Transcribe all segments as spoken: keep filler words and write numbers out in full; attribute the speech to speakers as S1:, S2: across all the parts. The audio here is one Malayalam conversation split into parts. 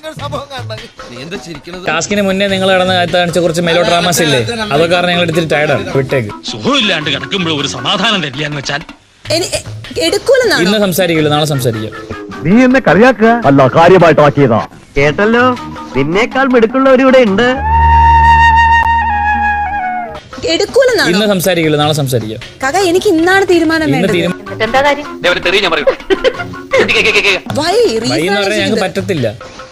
S1: ടാസ്കിന് മുന്നേ നിങ്ങൾ നടന്ന കാണിച്ച കുറച്ച് മെലോ ഡ്രാമാസ് ഇല്ലേ, അതൊക്കെ കാരണം ഞങ്ങൾ എടുത്തിട്ട് ടയർഡാണ്. വിട്ടേക്ക്.
S2: സുഖമില്ലാണ്ട് കിടക്കുമ്പോൾ ഒരു സമാധാനം തരില്ലെന്ന് വെച്ചാൽ
S1: ഇന്ന് സംസാരിക്കില്ല, നാളെ സംസാരിക്കാം.
S3: നീ എന്നെ കളിയാക്കുക അല്ല, കാര്യമായിട്ടാക്കിയതാ. കേട്ടല്ലോ, നിന്നേക്കാൾ മിടുക്കുള്ളവർ ഇവിടെ ഉണ്ട്.
S1: ഇന്ന് സംസാരിക്കില്ല, നാളെ സംസാരിക്കാം.
S4: എനിക്ക് ഇന്നാണ് തീരുമാനം വേണ്ടത്.
S1: ഞങ്ങൾക്ക് പറ്റത്തില്ല.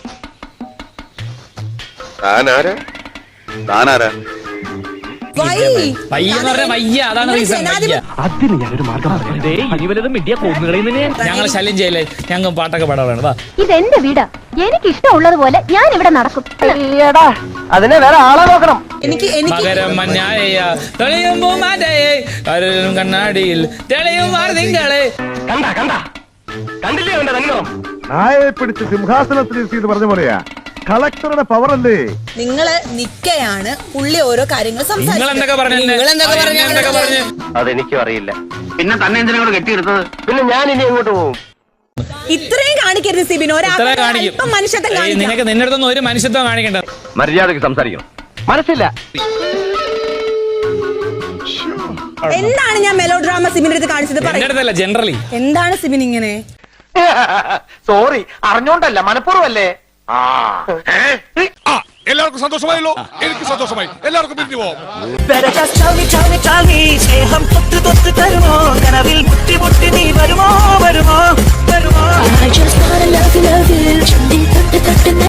S1: ഞങ്ങൾ ശല്യം ചെയ്യല്ലേ, ഞങ്ങൾ പാട്ടൊക്കെ പാടാൻ വേണ്ട.
S5: ഇതെന്റെ വീടാ, എനിക്ക് ഇഷ്ടമുള്ളതുപോലെ ഞാൻ ഇവിടെ നടക്കും.
S3: അതിനെ വേറെ ആളെ നോക്കണം.
S1: മകരം മഞ്ഞായ തെളിയുമ്പോ മാറ്റയെ കണ്ണാടിയിൽ തെളിയും തിങ്കളെ.
S3: കണ്ട കണ്ട കണ്ടില്ലേ അവന്റെ തന്നോ? നായെ പിടിച്ച് സിംഹാസനത്തിൽ പറഞ്ഞ പോലെയാ കളക്ടറുടെ പവർ അല്ലേ.
S4: നിങ്ങള് നിക്കയാണ് പുള്ളി ഓരോ കാര്യങ്ങൾ
S3: അതെനിക്കും അറിയില്ല. പിന്നെ തന്നെ എന്തിനാണ് കെട്ടിയെടുത്തത്? പിന്നെ ഞാൻ ഇനി എങ്ങോട്ട് പോകും?
S4: ഇത്രയും കാണിക്കരുത് സിബിൻ. മനുഷ്യത്വം
S1: നിനക്ക് നിന്റെ അടുത്തൊന്നും ഒരു മനുഷ്യത്വം കാണിക്കണ്ട.
S3: മര്യാദക്ക് സംസാരിക്കണം. മനസ്സില്ല.
S4: എന്താണ് ഞാൻ മെലോ ഡ്രാമ സിബിന്റെ അടുത്ത് കാണിച്ചത്?
S1: ജനറലി
S4: എന്താണ് സിബിൻ ഇങ്ങനെ?
S3: സോറി, അറിഞ്ഞോണ്ടല്ല, മനഃപൂർവ്വല്ലേ.
S6: എല്ലാവർക്കും സന്തോഷമായല്ലോ. എനിക്ക് സന്തോഷമായി. എല്ലാവർക്കും പിരിഞ്ഞു പോവാം.
S5: I just wanna love you, love you.